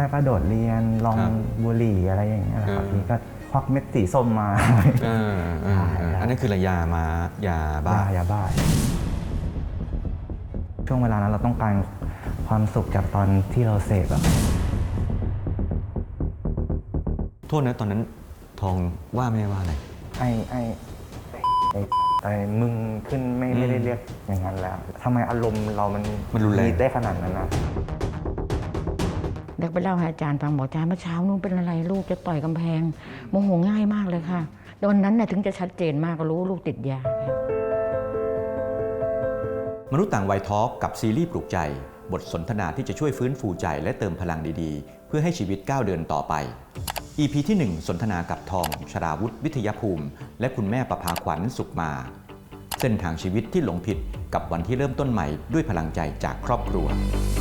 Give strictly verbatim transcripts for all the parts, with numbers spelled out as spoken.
กๆก็โดดเรียนลองบุหรี่อะไรอย่างเงี้ยแหละครับพี่ก็ควักเม็ดสีส้มมาอันนั้นคือระยามายาบ้ายาบ้าช่วงเวลานั้นเราต้องการความสุขจากตอนที่เราเสพอะโทษนะตอนนั้นทองว่าไม่ว่าอะไรไอ้ไอ้ไอ้ไอ้มึงขึ้นไม่ไม่ได้เรียกอย่างนั้นแล้วทำไมอารมณ์เรามันมันรุนแรงได้ขนาดนั้นนะเด็กไปเล่าให้อาจารย์ฟังบอกอาจารย์เมื่อเช้านู้นเป็นอะไรลูกจะต่อยกำแพงโมโหง่ายมากเลยค่ะตอนนั้นน่ะถึงจะชัดเจนมากก็รู้ลูกติดยามนุษย์ต่างวัยทอล์กกับซีรีส์ปลุกใจบทสนทนาที่จะช่วยฟื้นฟูใจและเติมพลังดีๆเพื่อให้ชีวิตก้าวเดินต่อไป อี พี ที่ หนึ่ง สนทนากับทองชราวุฒิวิทยภูมิและคุณแม่ประภาขวัญสุขมาเส้นทางชีวิตที่หลงผิดกับวันที่เริ่มต้นใหม่ด้วยพลังใจจากครอบครัว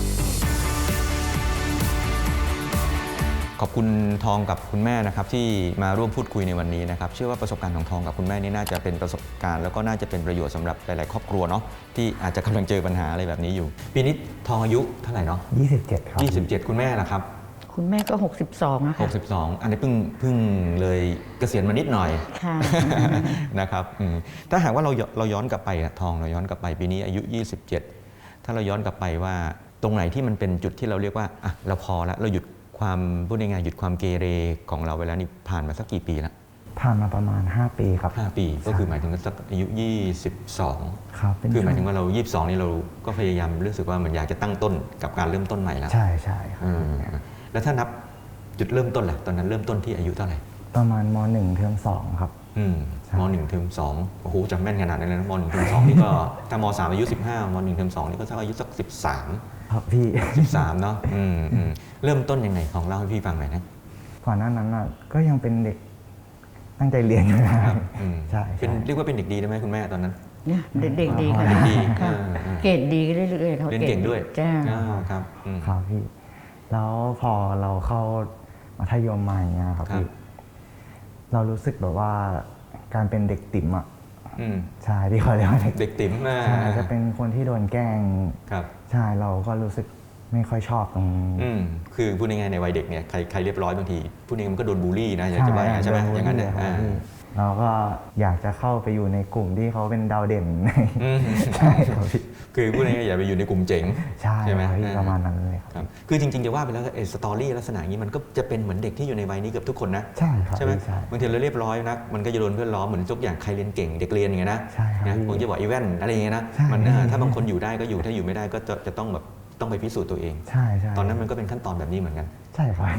ขอบคุณทองกับคุณแม่นะครับที่มาร่วมพูดคุยในวันนี้นะครับเชื่อว่าประสบการณ์ของทองกับคุณแม่นี่น่าจะเป็นประสบการณ์แล้วก็น่าจะเป็นประโยชน์สำหรับหลายๆครอบครัวเนาะที่อาจจะกำลังเจอปัญหาอะไรแบบนี้อยู่ปีนี้ทองอายุเท่าไหร่เนาะยี่สิบเจ็ดครับยี่สิบเจ็ดคุณแม่ล่ะครับคุณแม่ก็หกสิบสองนะคะหกสิบสองอันนี้เพิ่งเพิ่งเลยเกษียณมานิดหน่อยค่ะนะครับถ้าหากว่าเราเราย้อนกลับไปทองเราย้อนกลับไปปีนี้อายุยี่สิบเจ็ดถ้าเราย้อนกลับไปว่าตรงไหนที่มันเป็นจุดที่เราเรียกว่าอ่ะเราพอแล้วเราหยุดความพูดง่ายๆหยุดความเกเรของเราเวลานี้ผ่านมาสักกี่ปีแล้วผ่านมาประมาณห้าปีครับห้าปีก็คือหมายถึงสักอายุยี่สิบสองครับคือหมายถึงว่าเรายี่สิบสองนี่เราก็พยายามรู้สึกว่ามันอยากจะตั้งต้นกับการเริ่มต้นใหม่แล้วใช่ใช่ครับแล้วถ้านับจุดเริ่มต้นล่ะตอนนั้นเริ่มต้นที่อายุเท่าไหร่ประมาณมหนึ่งเทอมสองครับอืมมหนึ่งเทอมสองโอ้โหจำแม่นขนาดนั้นเลยนะมหนึ่งเทอมสองนี่ก็ถ้ามสามอายุสิบห้ามหนึ่งเทอมสองนี่ก็สักอายุสักสิบสามครับพี่สิบสามเนาะอืมอืมเริ่มต้นยังไงของเล่าให้พี่ฟังหน่อยนะก่อนหน้านั้นอ่ะก็ยังเป็นเด็กตั้งใจเรียนอยู่นะใช่เป็นเรียกว่าเป็นเด็กดีได้ไหมคุณแม่ตอนนั้นเนี่ยเด็กดีค่ะเด็กดีเกรดดีเรื่อยๆเขาเรียนเก่งด้วยจ้าครับครับพี่แล้วพอเราเข้ามัธยมมาอย่างเงี้ยครับพี่เรารู้สึกแบบว่าการเป็นเด็กติ๋มอ่ะใช่ที่เขาเรียกว่าเด็กติ๋มใช่จะเป็นคนที่โดนแกล้งครับใช่เราก็รู้สึกไม่ค่อยชอบตรงอืมคือพูดง่ายๆในวัยเด็กเนี่ยใครใครเรียบร้อยบางทีพูดง่ายๆมันก็โดนบูลลี่นะอยากจะว่าใช่ไหมอย่างนั้นเนี่ยเราก็อยากจะเข้าไปอยู่ในกลุ่มที่เขาเป็นดาวเด่นใช่ครับคือพูดง่ายๆอย่าไปอยู่ในกลุ่มเจ๋งใช่ไหมประมาณนั้นเลยครับคือจริงๆจะว่าไปแล้วไอ้สตอรี่ลักษณะนี้มันก็จะเป็นเหมือนเด็กที่อยู่ในวัยนี้เกือบทุกคนนะใช่ครับใช่ไหมบางทีเราเรียบร้อยนะมันก็จะโดนเพื่อนล้อเหมือนทุกอย่างใครเรียนเก่งเด็กเรียนอย่างเงี้ยนะใช่ครับผมจะบอกอีเวนต์อะไรอย่างเงี้ยนะมันถ้าบางคนอยู่ได้ก็อยู่ถ้าอยู่ไม่ได้ก็จะจะต้องแบบต้องไปพิสูจน์ตัวเองใช่ใช่ตอนนั้นมันก็เป็นขั้นตอนแบบนี้เหมือนกันใช่ครับ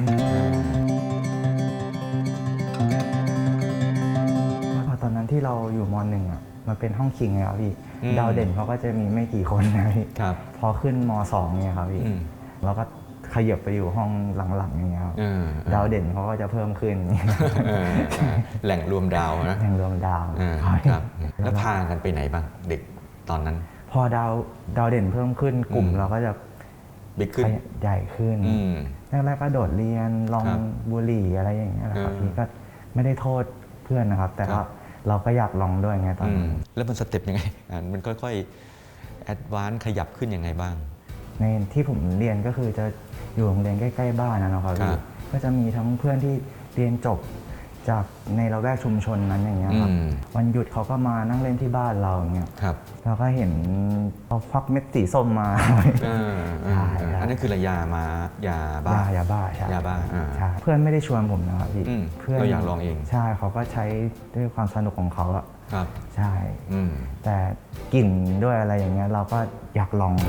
พอตอนนั้นที่เราอยู่ม.หนึ่งอ่ะมันเป็นห้องคิงไงครับพี่ดาวเด่นเขาก็จะมีไม่กี่คนนะพี่พอขึ้นม.สองเนี่ยครับพี่เราก็ขยับไปอยู่ห้องหลังๆอย่างเงี้ยครับดาวเด่นเขาก็จะเพิ่มขึ้นแหล่งรวมดาวนะแหล่งรวมดาวครับแล้วพากันไปไหนบ้างเด็กตอนนั้นพอดาวดาวเด่นเพิ่มขึ้นกลุ่มเราก็จะบิ๊กขึ้นใหญ่ขึ้นแรกๆก็โดดเรียนลองบุหรี่อะไรอย่างเงี้ยแหละครับพี่ก็ไม่ได้โทษเพื่อนนะครับแต่ว่าเราก็อยากลองด้วยไงตอนนั้นแล้วมันสเต็ปยังไงมันค่อยๆแอดวานซ์ขยับขึ้นยังไงบ้างในที่ผมเรียนก็คือจะอยู่โรงเรียนใกล้ๆบ้านนะครับพี่ก็จะมีทั้งเพื่อนที่เรียนจบจากในละแวกชุมชนนั้นอย่างเงี้ยครับวันหยุดเขาก็มานั่งเล่นที่บ้านเราอย่างเงี้ยเราก็เห็นเขาควักเม็ดสีส้มมาอันนั้นคือระยามายาบ้ายาบ้าใช่ยาบ้าใช่เพื่อนไม่ได้ชวนผมนะครับพี่เพื่อนเราอยากลองเองใช่เขาก็ใช้ด้วยความสนุกของเขาอะครับใช่แต่กลิ่นด้วยอะไรอย่างเงี้ยเราก็อยากลอง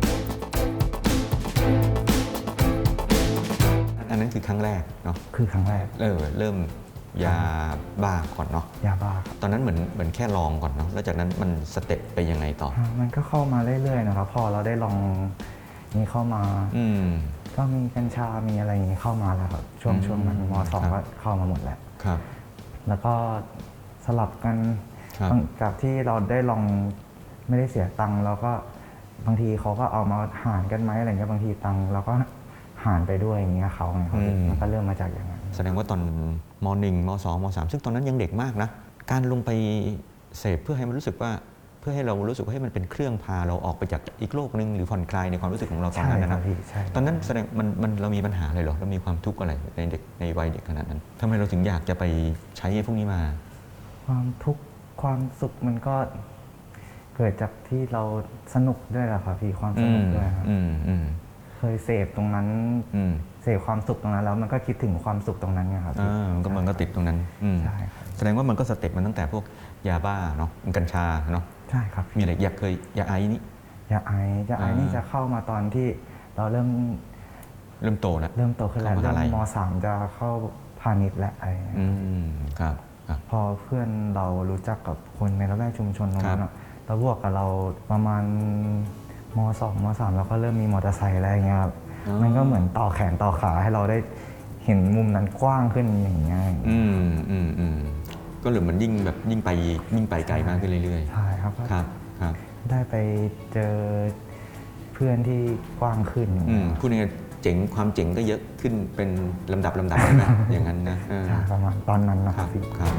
อันนั้นคือครั้งแรกเนาะคือครั้งแรกเออเริ่มยาบ้าก่อนเนาะยาบ้าตอนนั้นเหมือนเหมือนแค่ลองก่อนเนาะแล้วจากนั้นมันสเต็ปไปยังไงต่อมันก็เข้ามาเรื่อยๆนะครับพอเราได้ลองนี้เข้ามาก็มีกัญชามีอะไรอย่างนี้เข้ามาแล้วครับช่วงช่วงนั้นม.สองก็เข้ามาหมดแล้วครับแล้วก็สลับกันกับที่เราได้ลองไม่ได้เสียตังค์แล้วก็บางทีเขาก็เอามาหารกันไหมอะไรเงี้ยบางทีตังค์เราก็หารไปด้วยอย่างเงี้ยเขาไงครับมันก็เริ่มมาจากอย่างนั้นแสดงว่าตอนม.หนึ่ง ม.สอง ม.สามซึ่งตอนนั้นยังเด็กมากนะการลงไปเสพเพื่อให้มันรู้สึกว่าเพพื่อให้เรารู้สึกว่าให้มันเป็นเครื่องพาเราออกไปจากอีกโลกนึงหรือผ่อนคลายในความรู้สึกของเราตอนนั้นนะใช่ตอนนั้นแสดงมันมันเรามีปัญหาอะไรหรอเรามีความทุกข์อะไรในเด็กในวัยเด็กขนาดนั้นทำไมเราถึงอยากจะไปใช้พวกนี้มาความทุกข์ความสุขมันก็เกิดจากที่เราสนุกด้วยแหละครับพี่ความสนุกด้วยครับเคยเสพตรงนั้นเสพความสุขตรงนั้นแล้วมันก็คิดถึงความสุขตรงนั้นไงครับมันก็มันก็ติดตรงนั้นใช่ครับแสดงว่ามันก็สเต็ปมันตั้งแต่พวกยาบ้าเนาะกัญชาเนาะใช่ครับมีอะไรอยากเคยยาไอนี่ยาไอยาไอนี่จะเข้ามาตอนที่เราเริ่มเริ่มโตแล้วเริ่มโตขึ้นแล้วเริ่มม.สาม จะเข้าพาณิชย์และอะไรครับพอเพื่อนเรารู้จักกับคนในละแวกชุมชนตรงนั้นแล้วบวกกับเราประมาณม.สอง ม.สาม เราก็เริ่มมีมอเตอร์ไซค์อะไรเงี้ยครับมันก็เหมือนต่อแขนต่อขาให้เราได้เห็นมุมนั้นกว้างขึ้นอย่างเงี้ยอืมอืมอืมก็หรือมันยิ่งแบบยิ่งไปยิ่งไปไกลมากขึ้นเรื่อยๆใช่ครับครับครับได้ไปเจอเพื่อนที่กว้างขึ้นพูดง่ายๆเจ๋งความเจ๋งก็เยอะขึ้นเป็นลำดับลำดับนะอย่างนั้นนะประมาณตอนนั้นนะครับครับ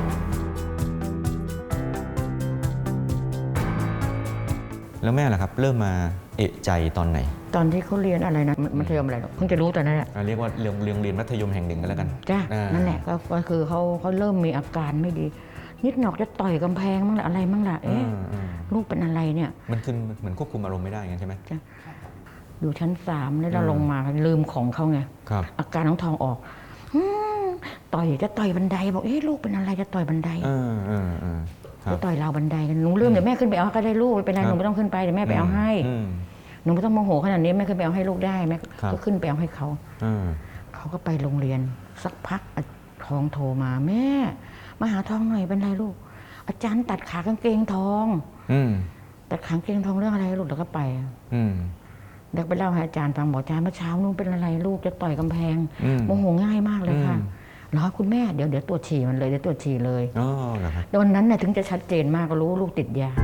แล้วแม่ล่ะครับเริ่มมาเอะใจตอนไหนตอนที่เขาเรียนอะไรนะมัธยมอะไรเพิ่งจะรู้ตอนนั้นแหละเรียกว่าเรียนเรียนเรียนมัธยมแห่งหนึ่งกันแล้วกันจ้ะนั่นแหละก็คือเขาเขาเริ่มมีอาการไม่ดีนิดหนอกจะต่อยกำแพงมั่งละอะไรมั่งละเอ๊ะลูกเป็นอะไรเนี่ยมันคือเหมือนควบคุมอารมณ์ไม่ได้งั้นใช่ไหมจ้ะอยู่ชั้นสามแล้วเราลงมาลืมของเขาไงอาการน้องทองออกต่อยจะต่อยบันไดบอกเอ๊ะลูกเป็นอะไรจะต่อยบันไดจะต่อยราวบันไดกันหนูลืมเดี๋ยวแม่ขึ้นไปเอาก็ได้ลูกไม่เป็นไรหนูไม่ต้องขึ้นไปเดี๋ยวแม่ไปเอาให้หนูไม่ต้องโมโหขนาดนี้แม่ขึ้นไปเอาให้ลูกได้แม่ก็ขึ้นไปเอาให้เขาเขาก็ไปโรงเรียนสักพักทองโทรมาแม่มาหาทองหน่อยเป็นไรลูกอาจารย์ตัดขากางเกงทองตัดขากางเกงทองเรื่องอะไรลูกแล้วก็ไปเด็กไปเล่าให้อาจารย์ฟังบอกอาจารย์เมื่อเช้านู้นเป็นอะไรลูกจะต่อยกำแพงโมโหง่ายมากเลยค่ะเหรอคุณแม่เดี๋ยวเดี๋ยวตรวจฉี่มันเลยเดี๋ยวตรวจฉี่เลยอ๋อเหรอครับตอนนั้นน่ะถึงจะชัดเจนมากก็รู้ลูกติดยา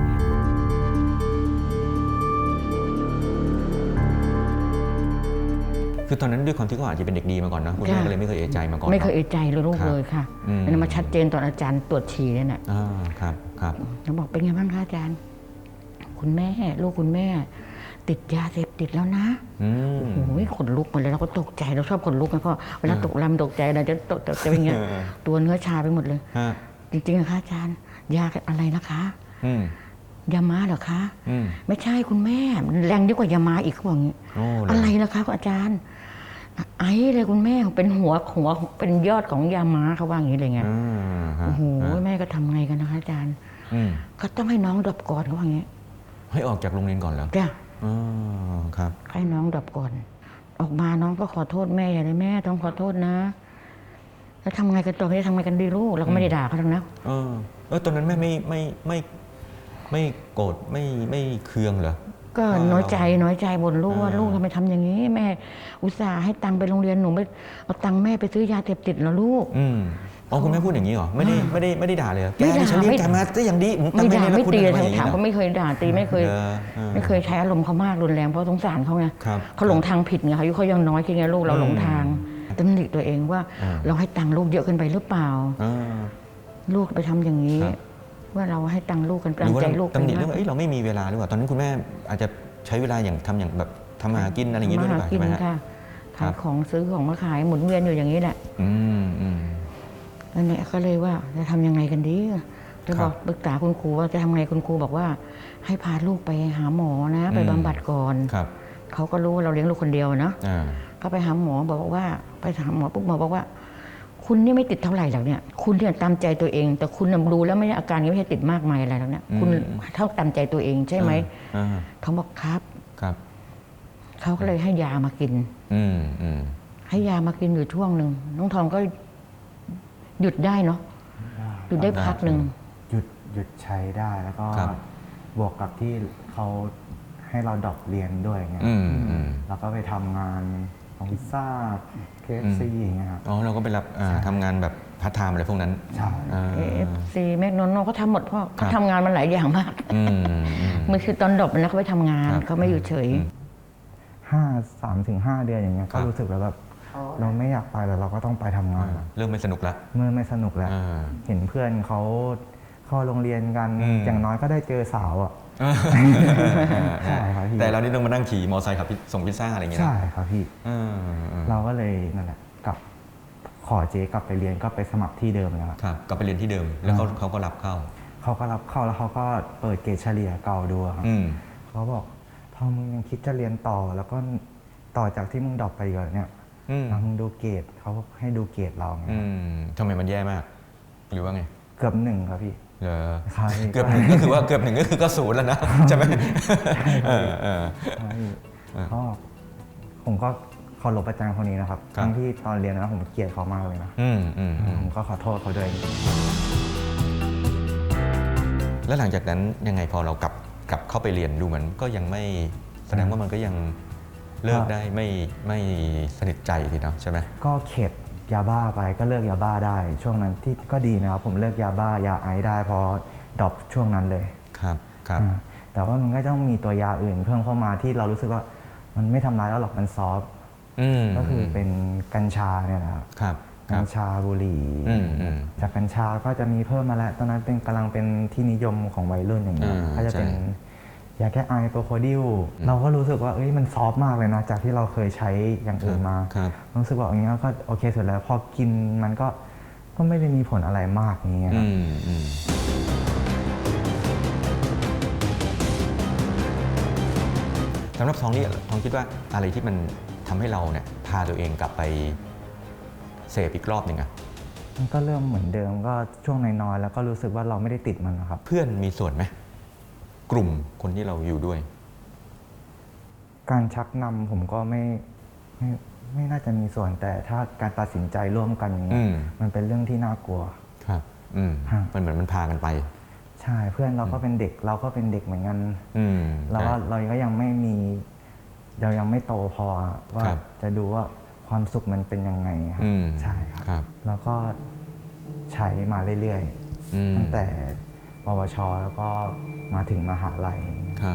คือตอนนั้นด้วยความที่เขาอาจจะเป็นเด็กดีมาก่อนนะคุณแม่ก็เลยไม่เคยเอะใจมาก่อนไม่เคยเอะใจเลยลูกเลยค่ะอันนั้นมาชัดเจนตอนอาจารย์ตรวจฉี่เนี่ยน่ะอ๋อครับครับเขาบอกเป็นไงบ้างคะอาจารย์คุณแม่ลูกคุณแม่ติดยาเสพติดแล้วนะโอ้โหขนลุกหมดเลยเราก็ตกใจเราชอบขนลุกนะเพราะเวลาตกลำตกใจเราจะตกจะเป็นอย่างเงี้ยตัวเนื้อชาไปหมดเลยจริงๆนะคะอาจารย์ยาอะไรนะคะยาม้าเหรอคะไม่ใช่คุณแม่แรงยิ่งกว่ายาม้าอีกเขาบอกอย่างนี้อะไรนะคะอาจารย์ไอ้เลยคุณแม่เป็นหัวหัวเป็นยอดของยาม้าเขาว่าอย่างนี้เลยไงโอ้โหแม่ก็ทำไงกันนะคะอาจารย์ก็ต้องให้น้องดรอปก่อนเขาว่าอย่างนี้ให้ออกจากโรงเรียนก่อนแล้วจ้ะอ๋อครับให้น้องดรอปก่อนออกมาน้องก็ขอโทษแม่อย่าเลยแม่ต้องขอโทษนะแล้วทำไงกันต่อจะทำไงกันดีลูกเราก็ไม่ได้ด่าเขาทั้งนั้นเออเออตอนนั้นแม่ไม่ไม่ไม่ไม่โกรธไม่ไม่เคืองเหรอก็น้อยใจน้อยใจบ่นลูกว่าลูกทำไมทำอย่างนี้แม่อุตส่าห์ให้ตังค์ไปโรงเรียนหนูไม่เอาตังค์แม่ไปซื้อยาเสพติดเหรอลูกอืมอ๋อคุณแม่พูดอย่างนี้เหรอไม่ได้ไม่ได้ไม่ได้ด่าเลยแกนี่ฉันเรียกแกมาได้อย่างดีไม่ด่าไม่ตีเลยถามเขาไม่เคยด่าตีไม่เคยไม่เคยใช้อารมณ์เขามากรุนแรงเพราะสงสารเขาไงเขาหลงทางผิดไงเขาอายุเขายังน้อยแค่ไงลูกเราหลงทางตำหนิตัวเองว่าเราให้ตังค์ลูกเยอะเกินไปหรือเปล่าลูกไปทำอย่างนี้ว่าเราให้ตังค์ลูกกันตามใจลูกตำหนิเรื่องว่าเราไม่มีเวลาหรือเปล่าตอนนั้นคุณแม่อาจจะใช้เวลาอย่างทำอย่างแบบทำมาหากินอะไรอย่างนี้ด้วยหรือเปล่าใช่ไหมคะขายของซื้อของมาขายหมุนเวียนอยู่อย่างนี้แหละอืมอืมนั่นแหละก็เลยว่าจะทำยังไงกันดีจะบอกปรึกษาคุณครูว่าจะทำไงคุณครูบอกว่าให้พาลูกไปหาหมอนะไปบำบัดก่อนเขาก็รู้ว่าเราเลี้ยงลูกคนเดียวนะก็ไปหาหมอบอกว่าไปหาหมอปุ๊บหมอบอกว่าคุณนี่ไม่ติดเท่าไหร่หรอกเนี่ยคุณเนี่ยตามใจตัวเองแต่คุณรู้แล้วไม่อาการนี้ไม่ใช่ติดมากมายอะไรแล้วเนี่ยคุณเท่าตามใจตัวเองใช่ไหมเขาบอกครับครับเขาก็เลยให้ยามากินให้ยามากินอยู่ช่วงหนึ่งน้องทองก็หยุดได้เนาะหยุดได้พักหนึ่งหยุดหยุดใช้ได้แล้วก็บวกกับที่เขาให้เราดรอปเรียนด้วยไงแล้วก็ไปทำงานของพิซซ่า เค เอฟ ซี อย่างเงี้ยครับอ๋อเราก็ไปรับทำงานแบบพาร์ทไทม์อะไรพวกนั้นใช่เค เอฟ ซี แมคโดนัลด์เขาทำหมดเพราะเขาทำงานมันหลายอย่างมากมันคือตอนดรอปนะเขาไปทำงานเขาไม่อยู่เฉยห้าสามถึงห้าเดือนอย่างเงี้ยก็รู้สึกแล้วแบบเราไม่อยากไปแต่เราก็ต้องไปทำงานเริ่มไม่สนุกแล้วเมื่อไม่สนุกแล้วเห็นเพื่อนเขาเข้าโรงเรียนกันอย่างน้อยก็ได้เจอสาวอ่ะใช่ครับพี่แต่เรานี่ต้องมานั่งขี่มอเตอร์ไซค์ขับส่งพิซซ่าอะไรอย่างเงี้ยใช่ครับพี่เออเออเราก็เลยนั่นแหละกลับขอเจ๊กลับไปเรียนก็ไปสมัครที่เดิมแล้วครับครับกลับไปเรียนที่เดิมแล้วเขาเขาก็รับเข้าเขาก็รับเข้าแล้วเขาก็เปิดเกรดเฉลี่ยเก่าดูครับอืมเขาบอกพอมึงยังคิดจะเรียนต่อแล้วก็ต่อจากที่มึงดรอปไปก่อนเนี่ยอืมแล้วมึงดูเกรดเขาให้ดูเกรดเราไงอืมทำไมมันแย่มาก หรือว่าไงเกือบหนึ่งครับพี่เหรอใช่เกือบหนึ่งก็คือว่าเกือบหนึ่งก็คือก็ศูนย์แล้วนะใช่ไหมเออเออใช่ก็ผมก็เคารพอาจารย์คนนี้นะครับครับทั้งที่ตอนเรียนนะผมเกลียดเขามากเลยนะอืมอืมอืมผมก็ขอโทษเขาด้วยแล้วหลังจากนั้นยังไงพอเรากลับกลับเข้าไปเรียนดูเหมือนก็ยังไม่แสดงว่ามันก็ยังเลิกได้ไม่ไม่สนิทใจทีเนาะใช่ไหมก็เข็ดยาบ้าไปก็เลิกยาบ้าได้ ช่วงนั้นที่ก็ดีนะครับผมเลิกยาบ้ายาไอซ์ได้เพราะดรอปช่วงนั้นเลยครับครับอ่าแต่ว่ามันก็ต้องมีตัวยาอื่นเพิ่มเข้ามาที่เรารู้สึกว่ามันไม่ทำร้ายเราหรอกมันซอฟต์อืมก็คือเป็นกัญชาเนี่ยนะครับครับคกัรัญบชาบุหรี่อืมอืมจากกัญชาก็จะมีเพิ่มมาแล้วตอนนั้นเป็นกำลังเป็นที่นิยมของวัยรุ่นอย่างเงี้ยอ่าก็จะเป็นใช่ยาแก้ไอโปรโคดิลเราก็รู้สึกว่าเอ้ยมันซอฟต์มากเลยนะจากที่เราเคยใช้อย่างอื่นมาครับรู้สึกว่าอย่างเงี้ยก็โอเคสุดแล้วพอกินมันก็ก็ไม่ได้มีผลอะไรมากอย่างเงี้ยคอืรับมอืมสำหรับทองนี่ทองคิดว่าอะไรที่มันทำให้เราเนี่ยพาตัวเองกลับไปเสพอีกรอบหนึ่งอะมันก็เริ่มเหมือนเดิมก็ช่วงน้อยๆแล้วก็รู้สึกว่าเราไม่ได้ติดมันนะครับเพื่อนมีส่วนไหมกลุ่มคนที่เราอยู่ด้วยการชักนำผมก็ไม่ไม่ไม่น่าจะมีส่วนแต่ถ้าการตัดสินใจร่วมกันอย่างเงี้อืยมมันเป็นเรื่องที่น่ากลัวครับ อืมฮะมันเหมือนมันพากันไปใช่เพื่อนเราก็เป็นเด็กเราก็เป็นเด็กเหมือนกันอืมเราว่าใช่เราก็ยังไม่มีเรายังไม่โตพอว่าครับจะดูว่าความสุขมันเป็นยังไงครับอืมใช่ครับครับแล้วก็ใช้มาเรื่อยอืมๆ ตั้งแต่ปวช แล้วก็มาถึงมหาลัยครับ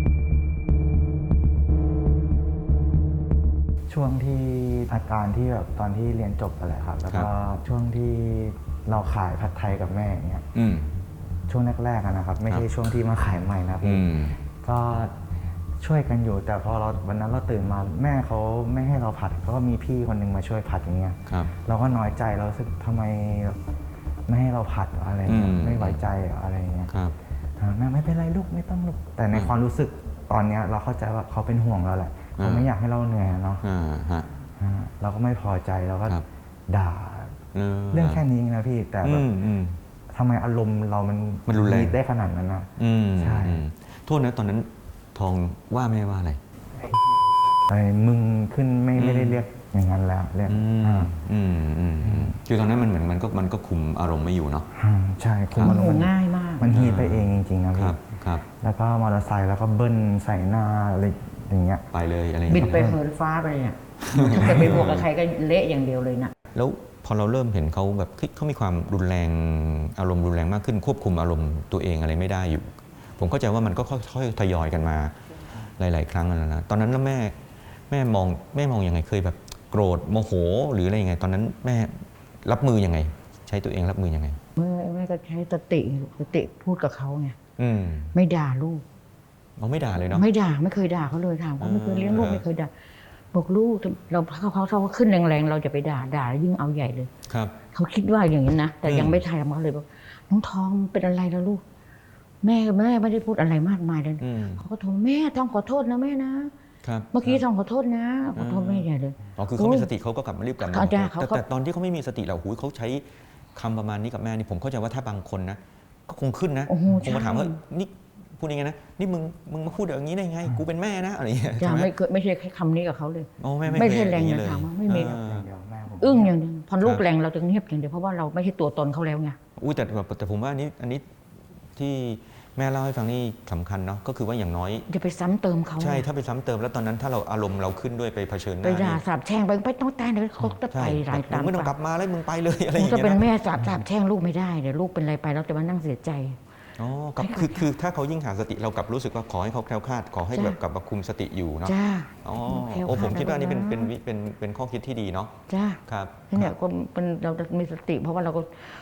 ช่วงที่อาการที่แบบตอนที่เรียนจบไปแหละครับ แล้วก็ช่วงที่เราขายผัดไทยกับแม่อย่างเงี้ยอืมช่วงแรกๆอะนะครับ ไม่ใช่ครับช่วงที่มาขายใหม่นะอืพี่มก็ช่วยกันอยู่ แต่พอเราวันนั้นเราตื่นมาแม่เขาไม่ให้เราผัดเขาก็มีพี่คนหนึงมาช่วยผัดอย่างเงี้ยครับเราก็น้อยใจเรารู้สึกทำไมไม่ให้เราผัดอะไรเงี้ยอืมไม่ไว้ใจอะไรเงี้ยครับอ่าแม่ไม่เป็นไรลูกไม่ต้องลูกแต่ในความรู้สึกตอนเนี้ยเราเข้าใจว่าเขาเป็นห่วงเราแหละเขาไม่อยากให้เราเหนื่อยอะเนาะอ่าฮะอ่าเราก็ไม่พอใจเราก็ครับด่าเออเรื่องแค่นี้เองนะพี่แต่แบอืบมอืมทำไมอารมณ์เรามันมันรุนแรงดได้ขนาดนั้นนะอืมใช่อืมโทษนะตอนนั้นทองว่าแม่ว่าอะไรไอ้มึงขึ้นไม่ไม่ได้เรียกอย่างนั้นแล้วเรียกอืมอ่าอืมอืมอืมคือตอนนั้นมันเหมือนมันก็มันก็คุมอารมณ์ไม่อยู่เนาะอ่าใช่คุมโมอารโหมณ์มันง่ายมากมันฮีทไปเองจริงๆนะคพี่รับครับแล้วก็มอเตอร์ไซค์แล้วก็เบิ้ลใส่หน้าอะไรอย่างเงี้ยไปเลยอะไรอย่างบินเงี้ยไปเหินฟ้าไปเนี่ยถ้าเกิดไปบวกกับใครก็เละอย่างเดียวเลยนะแล้วพอเราเริ่มเห็นเขาแบบเฮ้ยเขามีความรุนแรงอารมณ์รุนแรงมากขึ้นควบคุมอารมณ์ตัวเองอะไรไม่ได้อยู่ ผมเข้าใจว่ามันก็ค่อยๆทยอยกันมาหลาย ๆ ครั้งแล้วนะตอนนั้นแล้วแม่แม่มองแม่มองยังไงเคยแบบโกรธโมโหหรืออะไรยังไง ตอนนั้นแม่รับมือยังไง ใช้ตัวเองรับมือยังไงแม่แม่ก็ใช้สติสติพูดกับเขาไงอืมไม่ด่าลูกเราไม่ด่าเลยเนาะไม่ด่าไม่เคยด่าเขาเลยถามเขาไม่เคยเลี้ยงลูกอ่าไม่เคยด่าบอกลูกเราเขาเขาเขาขึ้นแรงๆเราจะไปด่าด่าแล้วยิ่งเอาใหญ่เลยครับเขาคิดว่าอย่างนี้นะแต่อืมยังไม่ทำเขาเลยบอกน้องทองเป็นอะไรแล้วลูก แม่แม่ไม่ได้พูดอะไรมากมายเลยอืมเขาก็โทรแม่ทองขอโทษนะแม่นะครับ เมื่อกี้ทองขอโทษนะขอโทษแม่ใหญ่เลยอ๋อคือเขามีสติเขาก็กลับมารีบกลับมาเขาจะขอโทษเขาก็แต่แต่ตอนที่เขาไม่มีสติเราหูยเขาใช้คำประมาณนี้กับแม่นี่ผมเข้าใจว่าถ้าบางคนนะก็คงขึ้นนะโอ้โหคงมาถามว่าใช่นี่พูดยังไงนะนี่มึงมึงมาพูดอย่างนี้ได้ไง กูเป็นแม่นะอะไรอย่างเงี้ยจะใช่ไหมไม่เคยไม่ใช่แค่คำนี้กับเขาเลยโอ้แม่ไม่ไม่ใช่เคยแรงอย่นะเลยถามว่าไม่มีเออเดี๋ยวแม่ผมอึ้งอย่างเดียวพอลูคกรับแรงเราจะเงียบอย่างเดียวเพราะว่าเราไม่ใช่ตัวตนเขาแล้วไงอุ้ยแต่แต่แต่ผมว่าอันนี้อันนี้ที่แม่เล่าให้ฟังนี่สำคัญเนาะก็คือว่าอย่างน้อยจะไปซ้ำเติมเขาใช่ถ้าไปซ้ำเติมแล้วตอนนั้นถ้าเราอารมณ์เราขึ้นด้วยไปเผชิญหไปน้าด่านี่สาบแช่งไปไปต้องตายเดี๋ยวเขาจะใช่ไปรายมึตาง มไม่ต้องกลับมาแล้วมึงไปเลยอะไรอคงย่างจะเงี้ยเป็นนะแม่สาบสาบแช่งลูกไม่ได้เดี๋ยวลูกเป็นอะไรไปเราจะมานั่งเสียใจอ๋อกับให้เขาคือคือถ้าเขายิ่งหาสติเรากลับรู้สึกว่าขอให้เขาแคล้วคลาดขอให้จ้ะแบบกลับมาคุมสติอยู่เนาะจ้าอ๋อแคล้วโอ้ผมคลาดคิดว่านี่เป็นแล้วนะเป็นวิเป็นเป็นข้อคิดที่ดีเนาะจ้าครับเนี่ยก็เป็นเราจะมีสติ เพราะว่าเราก็ส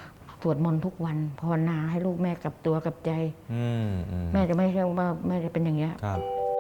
วดมนต์ทุกวันภาวนาให้ลูกแม่กลับตัวกลับใจอืมอืมแม่จะไม่ใช่ว่าแม่จะเป็นอย่างเงี้ยครับ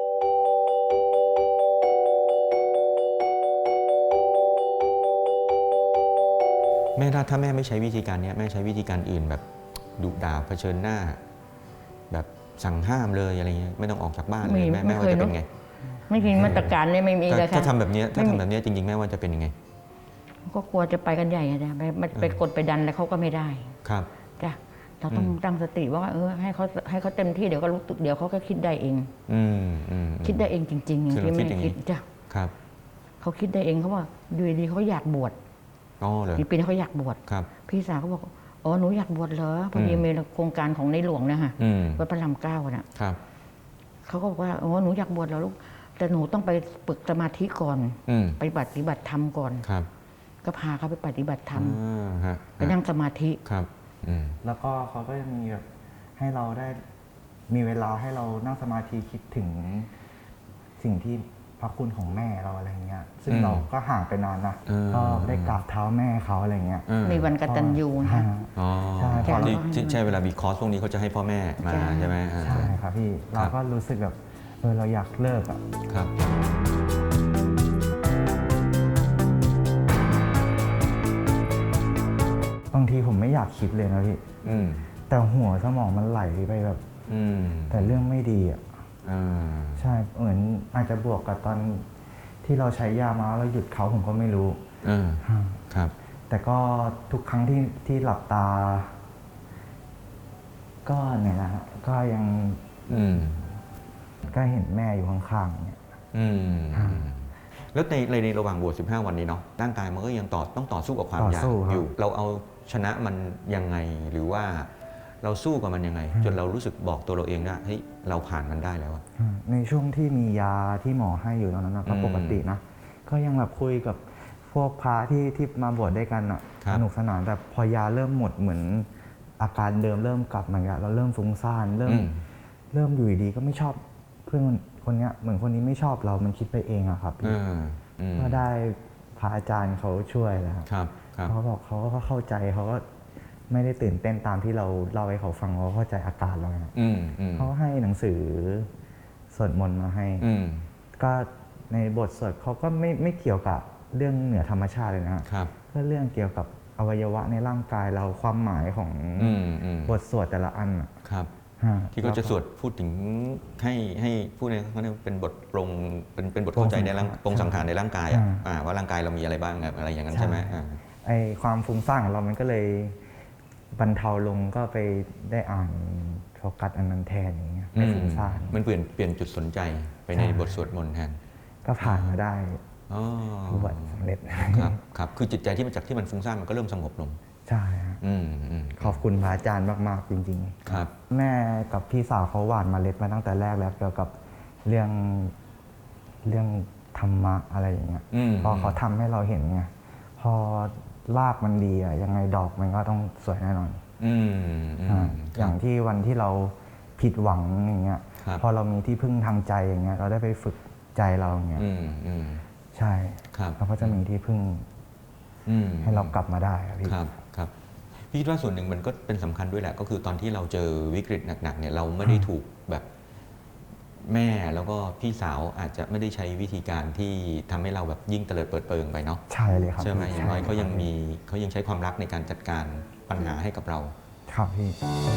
แม่ถ้าถ้าแม่ไม่ใช้วิธีการนี้แม่ใช้วิธีการอื่นแบบดุด่าเผชิญหน้า แบบสั่งห้ามเลยอะไรเงี้ยไม่ต้องออกจากบ้านเลยแม่แม่ว่าจะเป็นไงไม่มีมาตรการเลยไม่มีเลยถ้าค่ะทำแบบนี้ถ้าทำแบบนี้จริงๆแม่ว่าจะเป็นยังไงก็กลัวจะไปกันใหญ่อะจ้ะไปไปกดไปดันแล้วเขาก็ไม่ได้ครับจ้ะเราต้องตั้งสติว่าเออให้เขาให้เขาเต็มที่เดี๋ยวก็รู้สึกเดี๋ยวเขาก็คิดได้เองอืมอืมคิดได้เองจริงๆอย่างที่แม่คิดจ้ะครับเขาคิดได้เองเขาว่าดูดีเขาอยากบวชอ๋อเลยอีกปีนี้เขาอยากบวชครับพี่สาวเขาบอกอ๋อหนูอยากบวชเหรอพอดีมีโครงการของในหลวงนะฮะอืมวัดพระรามเก้าน่ะครับเขาก็บอกว่าอ๋อหนูอยากบวชเหรอลูกแต่หนูต้องไปฝึกสมาธิก่อนอืมไปปฏิบัติธรรมก่อนครับก็พาเขาไปปฏิบัติธรรมอ่าฮะไปนั่งสมาธิครับอืมแล้วก็เขาก็จะมีแบบให้เราได้มีเวลาให้เรานั่งสมาธิคิดถึงสิ่งที่พระคุณของแม่เราอะไรเงี้ย ซึ่งอืมเราก็ห่างไปนานนะอืมก็ได้กราบเท้าแม่เขาอะไรเงี้ยอืมีวันกตัญญูนะอ่าอ๋อใช่พอเราที่ที่ใช่เวลามีคอร์สพวกนี้เขาจะให้พ่อแม่มาใช่ใช่ไหมอ่าใช่ครับพี่เราก็รู้สึกแบบเออเราอยากเลิกอ่ะครับบางทีผมไม่อยากคิดเลยนะพี่อืมแต่หัวสมองมันไหลไปแบบอืมแต่เรื่องไม่ดีอ่ะอ่าใช่เหมือนอาจจะบวกกับตอนที่เราใช้ยามาแล้วหยุดเขาผมก็ไม่รู้อ่าครับแต่ก็ทุกครั้งที่ที่หลับตา ก็เนี่ยนะฮะก็ยังอืมก็เห็นแม่อยู่ข้างๆเนี่ยอืมแล้วในในในระหว่างบวชสิบห้าวันนี้เนาะร่างกายมันก็ยังต่อต้องต่อสู้กับความต่ออยากสู้ครับอยู่ เราเอาชนะมันยังไงหรือว่าเราสู้กับมันยังไง จนเรารู้สึกบอกตัวเราเองได้เฮ้ยเราผ่านมันได้แล้วอะอืมในช่วงที่มียาที่หมอให้อยู่ตอนนั้นนะก็อืมปกตินะ ก็ยังแบบคุยกับพวกพระที่ที่มาบวชด้วยกันอ่ะครับสนุกสนานแต่พอยาเริ่มหมดเหมือนอาการเดิมเริ่มกลับมาแล้วเราเริ่มฟุ้งซ่านเริ่มอืมเริ่มอยู่ดีๆก็ไม่ชอบเพื่อนคนเนี้ยเหมือนคนนี้ไม่ชอบเรามันคิดไปเองอะครับพี่อ่าอืมก็ได้พระอาจารย์เขาช่วยแล้วครับครับครับเขาบอกเขาก็เข้าใจเขาก็ไม่ได้ตื่นเต้นตามที่เราเล่าให้เขาฟังเขาเข้าใจอาการเรานะอืมอืมเขาให้หนังสือสวดมนต์มาให้อืมก็ในบทสวดเขาก็ไม่ไม่เกี่ยวกับเรื่องเหนือธรรมชาติเลยนะฮะครับก็เรื่องเกี่ยวกับอวัยวะในร่างกายเราความหมายของอืมอืมบทสวดแต่ละอันอะครับฮะที่เขาจะสวดพูดถึงให้ให้พูดในเขาเรียกว่าเป็นบทปรงเป็นเป็นบทเข้าใจในร่างปรงสังขารในร่างกายอะอ่าว่าร่างกายเรามีอะไรบ้างอะไรอย่างนั้นใช่ไหมอ่าไอความฟุ้งซ่านของเรามันก็เลยบรรเทาลงก็ไปได้อ่านโฟกัสอันนั้นแทนอย่างเงี้ยไม่ฟุ้งซ่านมันเปลี่ยนเปลี่ยนจุดสนใจไปในใช่บทสวดมนต์แทนก็ผ่านมาได้อ๋อบวชสำเร็จครับครับคือจิตใจที่มันจากที่มันฟุ้งซ่านมันก็เริ่มสงบลงใช่ฮะอืมอืมขอบคุณพระอาจารย์มากๆจริงครับๆ แม่กับพี่สาวเขาหว่านเมล็ดมาตั้งแต่แรกแล้วเกี่ยวกับเรื่องเรื่องธรรมะอะไรอย่างเงี้ยอืมพอเขาทำให้เราเห็นไงพอรากมันดีอะยังไงดอกมันก็ต้องสวยแน่นอนอืมอืมอ่าอย่างที่วันที่เราผิดหวังอย่างเงี้ยครับพอเรามีที่พึ่งทางใจอย่างเงี้ยเราได้ไปฝึกใจเราอย่างเงี้ยอืมอืมใช่ครับเราก็จะมีที่พึ่งอืมให้เรากลับมาได้อะพี่ครับครับพี่คิดว่าส่วนหนึ่งมันก็เป็นสำคัญด้วยแหละ ก็คือตอนที่เราเจอวิกฤตหนักๆเนี่ยเราไม่ได้ถูกแบบแม่แล้วก็พี่สาวอาจจะไม่ได้ใช้วิธีการที่ทำให้เราแบบยิ่งเตลิดเปิดเปิงไปเนาะใช่เลยครับใช่ไหมพี่อย่างน้อยเขายังใช่มีเขายังใช้ความรักในการจัดการปัญหาให้กับเราครับพี่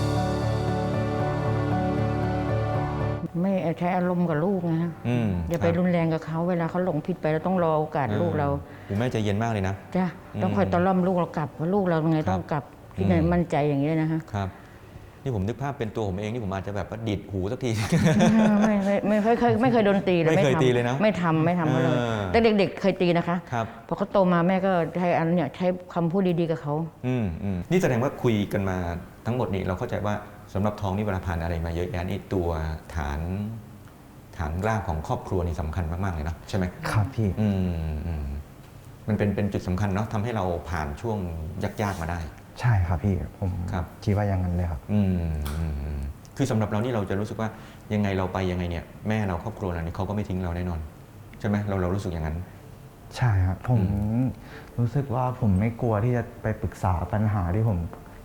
ไม่ใช้อารมณ์กับลูกนะอืมอย่าไปครับรุนแรงกับเขาเวลาเขาหลงผิดไปเราต้องรอโอกาสลูกเราคุณแม่ใจเย็นมากเลยนะจ้ะต้องคอยตะล่อมลูกเรากลับว่าลูกเราไงครับต้องกลับที่ไหนอืมมั่นใจอย่างนี้นะฮะครับ นี่ผมนึกภาพเป็นตัวผมเองที่ผมอาจจะแบบว่าดีดหูสักทีไม่ไม่ไม่ไม่เคยไม่เคยโดนตีเลยไม่เคยทำตีเลยนะไม่ทำไม่ทำเขาเลยเออแต่เด็กๆเคยตีนะคะครับพอเขาโตมาแม่ก็ใช้อันเนี่ยใช้คำพูดดีๆกับเขาอืมอืมนี่แสดงว่าคุยกันมาทั้งหมดนี้เราเข้าใจว่าสำหรับทองนี่เวลาผ่านอะไรมาเยอะแยะนี่ตัวฐานฐานรากของครอบครัวนี่สำคัญมากๆเลยนะใช่ไหมครับพี่อืมอืมมันเป็นเป็นจุดสำคัญเนาะทำให้เราผ่านช่วงยากๆมาได้ใช่ครับพี่ผมครับคิดว่าอย่างนั้นเลยครับอืมอืมอืมคือสำหรับเรานี่เราจะรู้สึกว่ายังไงเราไปยังไงเนี่ยแม่เราครอบครัวเรานี่เขาก็ไม่ทิ้งเราแน่นอน ใช่ไหมเราเรารู้สึกอย่างนั้นใช่ครับผมรู้สึกว่าผมไม่กลัวที่จะไปปรึกษาปัญหาที่ผม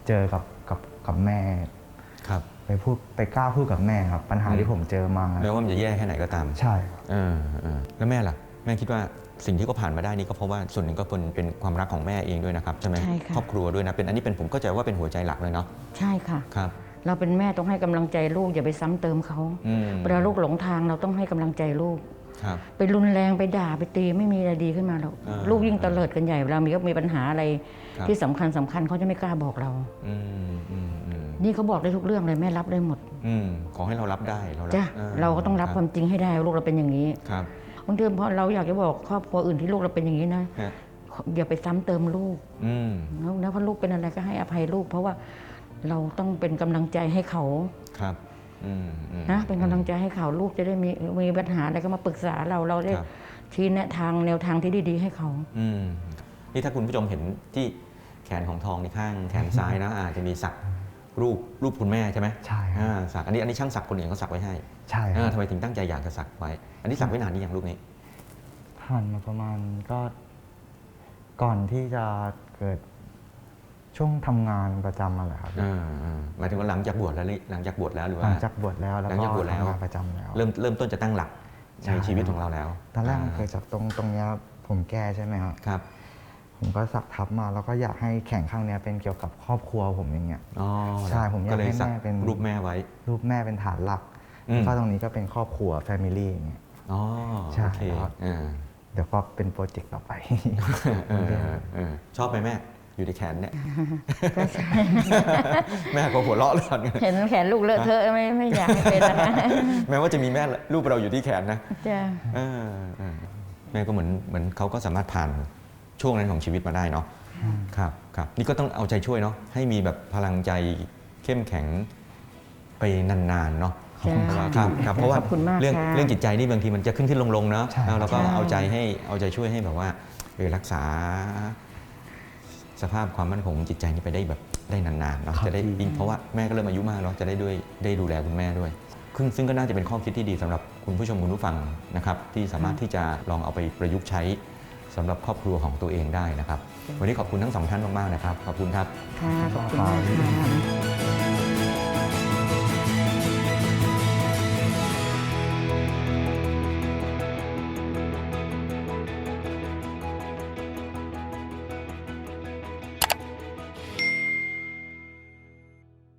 เจอกับกับกับแม่ครับไปพูดไปกล้าพูดกับแม่ครับปัญหาที่ผมเจอมาไม่ว่ามันจะแย่แค่ไหนก็ตามใช่ครับเออเออแล้วแม่ล่ะแม่คิดว่าสิ่งที่เขาผ่านมาได้นี่ก็เพราะว่าส่วนหนึ่งก็เป็นเป็นความรักของแม่เองด้วยนะครับใช่ไหมใช่ค่ะครอบครัวด้วยนะเป็นอันนี้เป็นผมเข้าใจว่าเป็นหัวใจหลักเลยเนาะใช่ค่ะครับเราเป็นแม่ต้องให้กำลังใจลูกอย่าไปซ้ำเติมเขาอืมเวลาลูกหลงทางเราต้องให้กำลังใจลูกครับไปรุนแรงไปด่าไปตีไม่มีอะไรดีขึ้นมาหรอกอ่าลูกยิ่งเตลิดกันใหญ่เวลามีก็มีปัญหาอะไรครับที่สำคัญสำคัญเขาจะไม่กล้าบอกเราอืมอืมอืมนี่เขาบอกได้ทุกเรื่องเลยแม่รับได้หมดอืมขอให้เรารับได้เรารับจ้ะออเราก็ต้องรับความจริงให้ได้ว่าลูกเราเป็นอย่างนี้ครับบางทีพอเราอยากจะบอกครอบครัวอื่นที่ลูกเราเป็นอย่างนี้นะฮะอย่าไปซ้ำเติมลูกอืมนะเพราะลูกเป็นอะไรก็ให้อภัยลูก เพราะว่าเราต้องเป็นกำลังใจให้เขาครับอืมอืมนะเป็นกำลังใจให้เขาลูกจะได้มีมีปัญหาอะไรก็มาปรึกษาเราเราได้ครับชี้แนะทางแนวทางที่ดีๆให้เขาอืมนี่ถ้าคุณผู้ชมเห็นที่แขนของทองในข้างแขนซ้ายนะอาจจะมีสักรูปรูปคุณแม่ใช่ไหมใช่ครับอ่าสักอันนี้อันนี้ช่างสักคนอื่นเขาสักไว้ให้ใช่คอ่ารับทำไมถึงตั้งใจอยากจะสักไว้ อันนี้สักไว้นานนี่อย่างรูปนี้ผ่านมาประมาณก็ก่อนที่จะเกิดช่วงทำงานประจำมาแหละครับอ่าอ่าหมายถึงว่าหลังจากบวชแล้วนี่หลังจากบวชแล้วหรือหว่าลังจากบวชแล้วแล้วหลังก็จากบวชแล้วทำงานประจำแล้วเริ่มเริ่มต้นจะตั้งหลักใช่ในชีวิตของเราแล้วตอนแรกมันาเกิดจากตรงตรงเนี้ยผมแก้ใช่ไหมครับครับผมก็สักทับมาแล้วก็อยากให้แข่งข้างเนี้ยเป็นเกี่ยวกับครอบครัวผมอย่างเงี้ยอ๋อใช่ผมอยากก็เลยให้สักแม่เป็นรูปแม่ไว้รูปแม่เป็นฐานหลักอืมแล้วก็ตรงนี้ก็เป็นครอบครัวแฟมิลี่อย่างเงี้ยอ๋อใช่โอเคครับอ่าเดี๋ยวก็เป็นโปรเจกต์ต่อไปเออเออเออชอบไหมแม่อยู่ในแขนเนี่ยก็ใช่แม่ก็หัวเราะเลยตอนนี้เห็นแขนลูกเลอะเทอะไม่ไม่อยากให้เป็นนะคะแม้ว่าจะมีแม่รูปเราอยู่ที่แขนนะจ้ะเออเออแม่ก็เหมือนเหมือนเขาก็สามารถผ่านช่วงนั้นของชีวิตมาได้เนาะครับครับนี่ก็ต้องเอาใจช่วยเนาะให้มีแบบพลังใจเข้มแข็งไปนานๆเนาะจ้ะครับครับเพราะว่าขอบคุณมากเรื่องค่ะเรื่องจิตใจนี่บางทีมันจะขึ้นขึ้นลงลงๆเนาะใช่แล้วเราก็ใช่เอาใจให้เอาใจช่วยให้แบบว่าเออรักษา สภาพความมั่นคงของจิตใจนี่ไปได้แบบได้นานๆเนาะครับจะได้ยิ่งเพราะว่าแม่ก็เริ่มอายุมากเนาะจะได้ด้วยได้ดูแลคุณแม่ด้วยซึ่งซึ่งก็น่าจะเป็นข้อคิดที่ดีสำหรับคุณผู้ชมคุณผู้ฟังนะครับที่สามารถที่จะลองเอาไปประยุกต์ใช้สำหรับครอบครัวของตัวเองได้นะครับ วันนี้ขอบคุณทั้งสองท่านมากๆนะครับขอบคุณครับค่ะขอบคุณมากค่ะ